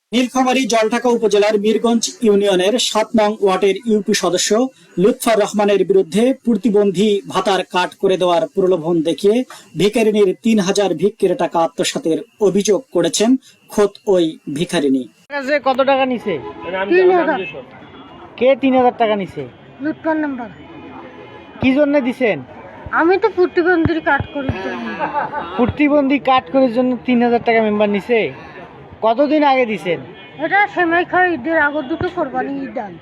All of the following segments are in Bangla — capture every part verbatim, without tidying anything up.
নীলফামারী জলঢাকা উপজেলার মিরগঞ্জ ইউনিয়নের সাত নং ওয়ার্ডের ইউপি সদস্য লুৎফর রহমানের বিরুদ্ধে প্রতিবন্ধী ভাতার কাট করে দেওয়ার প্রলোভন দেখিয়ে ভিখারিনীর তিন হাজার ভিক্ষের টাকা আত্মসাতের অভিযোগ করেছেন খোদ ওই ভিখারিনী। কত টাকা নিছে? তিন হাজার। কে তিন হাজার টাকা নিছে? লুৎফর নাম্বার। কি জন্য দিছেন? আমি তো প্রতিবন্ধীর কাট করি। প্রতিবন্ধী কাট করার জন্য তিন হাজার টাকা মেম্বার নিছে। কতদিন আগে দিছেন? এটা সেমাই খাই ঈদের আগর দুটো কোরবানি ঈদ আন।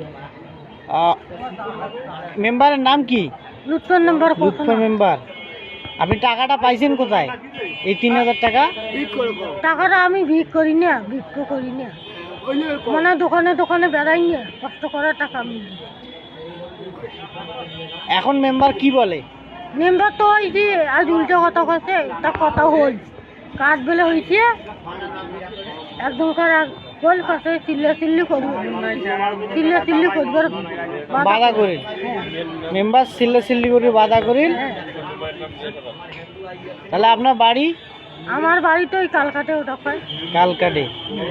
মেম্বারের নাম কি? লুৎফর নাম্বার। লুৎফর মেম্বার। আপনি টাকাটা পাইছেন কোথায়? এই তিন হাজার টাকা টাকাটা আমি ভিক করি না, ভিক্ষ করি না, মানে দোকানে দোকানে বেড়াই না, কষ্ট করার টাকা আমি দিই। এখন মেম্বার কি বলে? মেম্বার তো ওই যে আজ উল্টো কথা কছে, তা কথা হল কাজ বেলে হয়েছে একদম করে বল কাছে চিল্লা চিল্লি করবো, চিল্লা চিল্লি করবার বাধা করিল। মেম্বার চিল্লা চিল্লি করে বাধা করিল। তাহলে আপনার বাড়ি? আমার বাড়ি তো ওই কালকাটে। ওটা পাই কালকাটে।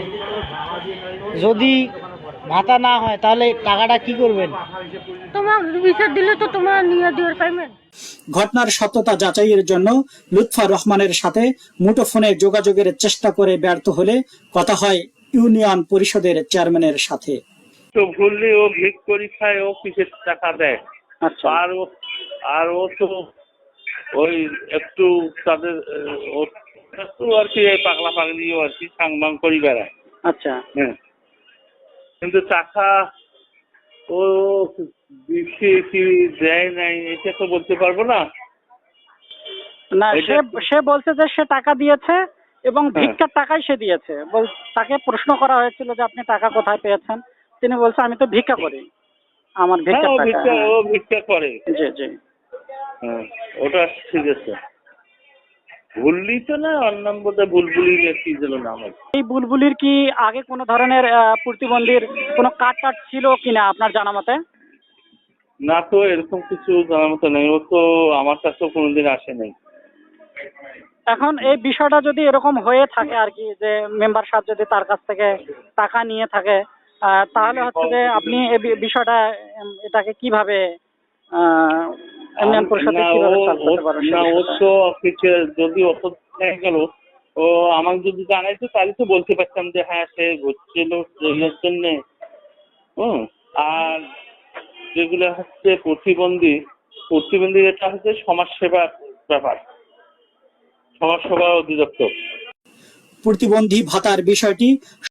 যদি ভাতা না হয় তাহলে টাকাটা কি করবেন? তোমার বিচার দিলে তো তোমার নিয়ে দেওয়ার পাইবেন। ঘটনার সত্যতা যাচাইয়ের জন্য লুৎফর রহমানের সাথে মুঠোফোনে যোগাযোগের চেষ্টা করে ব্যর্থ হলে কথা হয় ইউনিয়ন পরিষদের চেয়ারম্যানের সাথে। তো ভুললে ও ভিক পরীক্ষায় ও কিসের টাকা দেয়। আচ্ছা। আর ও আর ও তো ওই একটু তাদের ও একটু আর কি পাগলা পাগলিও আর কি সাংবাং করি বেড়ায়। আচ্ছা। হ্যাঁ, কিন্তু টাকা ও দিচ্ছে কি দেয় নাই এটা তো বলতে পারবো না। না, সে সে বলছে যে সে টাকা দিয়েছে এবং হ্যাঁ। ভিক্ষার টাকাই সে দিয়েছে। বল- তাকে প্রশ্ন করা হয়েছিল যে আপনি টাকা কোথায় পেয়েছেন, তিনি বলছে আমি তো ভিক্ষা করি, আমার হ্যাঁ, ভিক্ষার ও টাকা। ভিক্ষা ও ভিক্ষা করে। জি জি। হ্যাঁ, ওটা ঠিক আছে। ভুললি তো না, ওর নাম বোধহয় বুলবুলি কি যেন নাম আছে। এই বুলবুলির কি আগে কোনো ধরনের আহ, প্রতিবন্ধীর কোনো কার্ড টার্ড ছিল কিনা আপনার জানা মতে? না তো, এরকম কিছু জানার মতো নেই। ও তো আমার কাছেও কোনোদিন আসে নাই। এখন এই বিষয়টা যদি এরকম হয়ে থাকে আর কি, যে মেম্বার সাহেব যদি তার কাছ থেকে টাকা নিয়ে থাকে, আহ, তাহলে হচ্ছে যে আপনি এই বি- বিষয়টা উম, এটাকে কিভাবে আহ, ইউনিয়ন পরিষদে না, কিভাবে ও- solve করতে ও- পারবে সেই না, ও বিষয়টা? তো কিছু যদি অত হয়ে গেল, ও আমাকে যদি জানাইতো তাহলে তো বলতে পারতাম যে হ্যাঁ সে হচ্ছিল এর জন্যে। হুম। আর যেগুলো হচ্ছে প্রতিবন্ধী, প্রতিবন্ধী এটা হচ্ছে সমাজসেবার ব্যাপার, সমাজসেবা অধিদপ্তর। প্রতিবন্ধী ভাতার বিষয়টি